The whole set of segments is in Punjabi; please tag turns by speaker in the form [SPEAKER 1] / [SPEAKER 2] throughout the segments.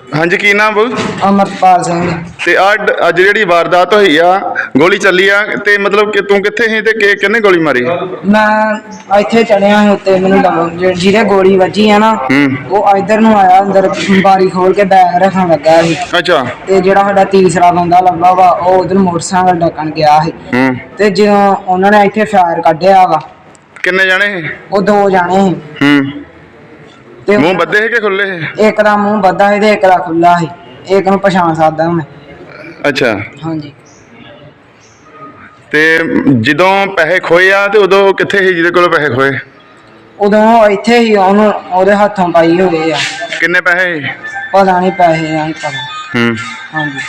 [SPEAKER 1] हाँ जी की नाम बोल
[SPEAKER 2] अमरपाल सिंह।
[SPEAKER 1] ते अज जी वारदात हुई आ गोली चली आ ते मतलब कि तू कित्थे ही ते किन्ने गोली मारी?
[SPEAKER 2] मैं इत्थे चढ़िया उत्ते मैनूं जिहदे गोली वजी है ना वो इधर नूं आया अंदर बारी खोल के बैग रखन लगा सी।
[SPEAKER 1] अच्छा
[SPEAKER 2] ते जिहड़ा साडा तीसरा बंदा लब्भा वा ओह उधर मोटरसाइकिल डकन गया सी ते जो उन्होंने इत्थे फायर कड्ढिया वा।
[SPEAKER 1] किन्ने जाने ही?
[SPEAKER 2] वो दो जाने ही।
[SPEAKER 1] मुंह बद्दे है कि खुले है?
[SPEAKER 2] एक दा मुंह बद्दा है ते एक दा खुला है। एक नूं पछाण सकदा मैं।
[SPEAKER 1] अच्छा
[SPEAKER 2] हाँ जी।
[SPEAKER 1] ते जदों पैसे खोए आ ते उदों कित्थे ही जिहदे कोलों पैसे खोए?
[SPEAKER 2] उदों इत्थे ही ओनू ओहदे हत्थों पाई होए आ।
[SPEAKER 1] किन्ने पैसे?
[SPEAKER 2] पता नहीं पैसे नहीं पता। हाँ जी।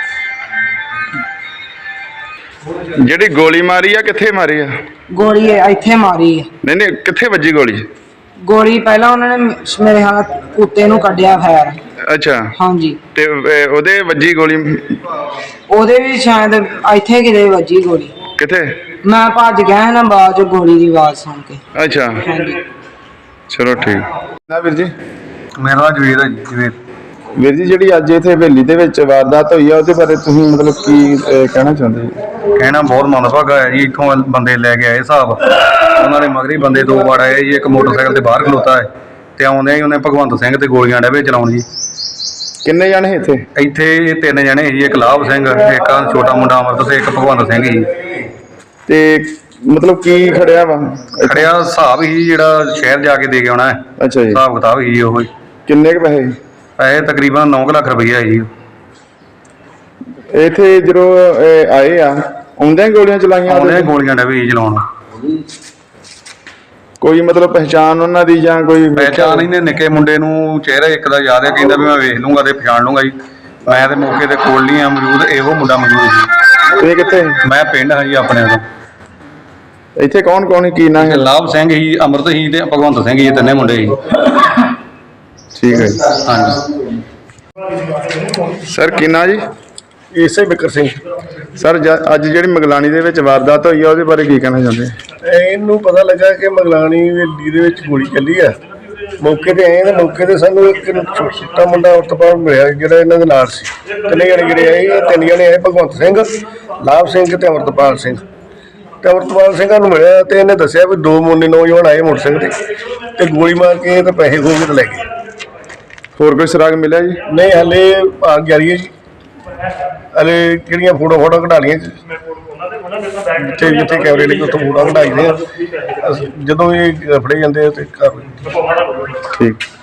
[SPEAKER 1] जिहड़ी गोली मारी आ कित्थे मारी आ?
[SPEAKER 2] गोली इत्थे मारी है।
[SPEAKER 1] नहीं नहीं कित्थे वजी गोली?
[SPEAKER 2] गोली पहला उन्होंने मेरे हाथ कुत्ते नूं कड्ढिया फायर।
[SPEAKER 1] अच्छा
[SPEAKER 2] हाँ जी।
[SPEAKER 1] ते ओदे वजी गोली?
[SPEAKER 2] ओदे भी शायद इत्थे किते वजी गोली।
[SPEAKER 1] कित्थे? मैं
[SPEAKER 2] भज गया ना बाद च गोली दी आवाज सुन के।
[SPEAKER 1] अच्छा
[SPEAKER 2] हाँ जी।
[SPEAKER 1] चलो ठीक ना वीर जी।
[SPEAKER 3] मेरा नाम जवेद है जी। जवेद
[SPEAKER 1] ਵੀਰ ਜੀ ਜਿਹੜੀ ਅੱਜ ਇੱਥੇ ਹਵੇਲੀ ਦੇ ਵਿੱਚ ਵਾਰਦਾਤ ਹੋਈ ਆ ਉਹਦੇ ਬਾਰੇ ਤੁਸੀਂ ਮਤਲਬ ਕੀ ਕਹਿਣਾ ਚਾਹੁੰਦੇ ਜੀ?
[SPEAKER 3] ਕਹਿਣਾ ਬਹੁਤ ਮੰਦਭਾਗਾ ਹੈ ਜੀ। ਇੱਥੋਂ ਬੰਦੇ ਲੈ ਕੇ ਆਏ ਹਿਸਾਬ, ਉਹਨਾਂ ਦੇ ਮਗਰੀ ਬੰਦੇ ਦੋ ਵਾਰ ਆਏ ਜੀ। ਇੱਕ ਮੋਟਰਸਾਈਕਲ ਤੇ ਬਾਹਰ ਖਲੋਤਾ ਹੈ ਤੇ ਆਉਂਦੇ ਹੀ ਉਹਨੇ ਭਗਵੰਤ ਸਿੰਘ ਤੇ ਗੋਲੀਆਂ ਡੇਵੇ ਚਲਾਉਣ ਜੀ।
[SPEAKER 1] ਕਿੰਨੇ ਜਾਣੇ ਇੱਥੇ?
[SPEAKER 3] ਇੱਥੇ ਤਿੰਨ ਜਣੇ ਜੀ। ਇੱਕ ਲਾਭ ਸਿੰਘ, ਇੱਕ ਛੋਟਾ ਮੁੰਡਾ ਅਮਰਤ ਤੇ ਇੱਕ ਭਗਵੰਤ ਸਿੰਘ ਜੀ।
[SPEAKER 1] ਤੇ ਮਤਲਬ ਕੀ ਖੜਿਆ ਵਾ?
[SPEAKER 3] ਖੜਿਆ ਹਿਸਾਬ ਹੀ ਜਿਹੜਾ ਸ਼ਹਿਰ ਜਾ ਕੇ ਦੇ ਕੇ ਆਉਣਾ ਹੈ।
[SPEAKER 1] ਅੱਛਾ ਜੀ।
[SPEAKER 3] ਹਿਸਾਬ ਕਿਤਾਬ ਹੀ ਉਹ
[SPEAKER 1] ਕਿੰਨੇ ਕੁ ਪੈਸੇ?
[SPEAKER 3] ਪੈਸੇ ਤਕਰੀਬਨ 9 ਲੱਖ ਰੁਪਈਆ ਜੀ।
[SPEAKER 1] ਇੱਥੇ ਜਦੋਂ ਆਏ ਆ ਆਉਂਦਿਆਂ ਗੋਲੀਆਂ ਚਲਾਈਆਂ?
[SPEAKER 3] ਆਉਂਦੇ ਗੋਲੀਆਂ ਡੇਵੇ ਜੀ ਚਲਾਉਣ।
[SPEAKER 1] ਕੋਈ ਮਤਲਬ ਪਹਿਚਾਣ ਉਹਨਾਂ ਦੀ ਜਾਂ ਕੋਈ?
[SPEAKER 3] ਪਹਿਚਾਣ ਇਹਨੇ ਨਿੱਕੇ ਮੁੰਡੇ ਨੂੰ ਚਿਹਰਾ ਇੱਕ ਦਾ ਯਾਦ ਹੈ, ਕਹਿੰਦਾ ਵੀ ਮੈਂ ਵੇਖ ਲੂੰਗਾ ਤੇ ਪਛਾਣ ਲੂੰਗਾ ਜੀ। ਮੈਂ ਤੇ ਮੌਕੇ ਤੇ ਕੋਲ ਨਹੀਂ ਆ ਮੌਜੂਦ, ਇਹੋ ਮੁੰਡਾ ਮੌਜੂਦ ਜੀ।
[SPEAKER 1] ਤੇ ਕਿੱਥੇ?
[SPEAKER 3] ਮੈਂ ਪਿੰਡ ਹਾਂ ਜੀ ਆਪਣੇ ਤੋਂ।
[SPEAKER 1] ਇੱਥੇ ਕੌਣ ਕੌਣ ਕੀ ਨਾਂ ਹੈ?
[SPEAKER 3] ਲਾਭ ਸਿੰਘ ਹੀ, ਅਮਰਤ ਹੀ ਤੇ ਭਗਵੰਤ ਸਿੰਘ ਜੀ, ਤਿੰਨੇ ਮੁੰਡੇ ਜੀ।
[SPEAKER 1] ਠੀਕ ਹੈ ਜੀ।
[SPEAKER 3] ਹਾਂਜੀ
[SPEAKER 1] ਸਰ ਕੀ ਨਾਂ ਜੀ?
[SPEAKER 4] ਇਸੇ ਬਿਕਰ ਸਿੰਘ।
[SPEAKER 1] ਸਰ ਅੱਜ ਜਿਹੜੀ ਮਗਲਾਣੀ ਦੇ ਵਿੱਚ ਵਾਰਦਾਤ ਹੋਈ ਆ ਉਹਦੇ ਬਾਰੇ ਕੀ ਕਹਿਣਾ ਚਾਹੁੰਦੇ?
[SPEAKER 4] ਇਹਨੂੰ ਪਤਾ ਲੱਗਾ ਕਿ ਮਗਲਾਣੀ ਹਵੇਲੀ ਦੇ ਵਿੱਚ ਗੋਲੀ ਚੱਲੀ ਆ। ਮੌਕੇ ਤੇ ਆਏ ਤੇ ਮੌਕੇ ਤੇ ਸਾਨੂੰ ਇੱਕ ਛੋਟਾ ਮੁੰਡਾ ਉਤਪਾਦ ਮਿਲਿਆ ਜਿਹੜਾ ਇਹਨਾਂ ਦੇ ਨਾਲ ਸੀ। ਤਿੰਨੇ ਜਣੇ ਜਿਹੜੇ ਆਏ, ਇਹ ਤਿੰਨ ਜਣੇ ਆਏ, ਭਗਵੰਤ ਸਿੰਘ, ਲਾਭ ਸਿੰਘ ਤੇ ਅਮਰਤਪਾਲ ਸਿੰਘ। ਤੇ ਅਮਰਤਪਾਲ ਸਿੰਘਾਂ ਨੂੰ ਮਿਲਿਆ ਤੇ ਇਹਨੇ ਦੱਸਿਆ ਵੀ ਦੋ ਮੁੰਡੇ ਨੌਜਵਾਨ ਆਏ ਮੋਟਰਸਾਈਕਲ ਤੇ ਗੋਲੀ ਮਾਰ ਕੇ ਤੇ ਪੈਸੇ ਖੋਹ ਕੇ ਤੇ ਲੈ ਗਏ।
[SPEAKER 1] ਹੋਰ ਕੋਈ ਸੁਰਾਗ ਮਿਲਿਆ ਜੀ?
[SPEAKER 4] ਨਹੀਂ ਹਲੇ ਭਾਗ ਜਾਰੀ ਹੈ ਜੀ। ਹਲੇ ਕਿਹੜੀਆਂ ਫੋਟੋ ਕਢਾ ਲਈਆਂ ਜਿੱਥੇ ਜਿੱਥੇ ਕੈਮਰੇ ਲੱਗੇ ਉੱਥੋਂ ਫੋਟੋ ਕਢਾਈ ਦੇ ਆ। ਜਦੋਂ ਇਹ ਫੜੇ ਜਾਂਦੇ ਆ ਤੇ ਕਰ
[SPEAKER 1] ਠੀਕ।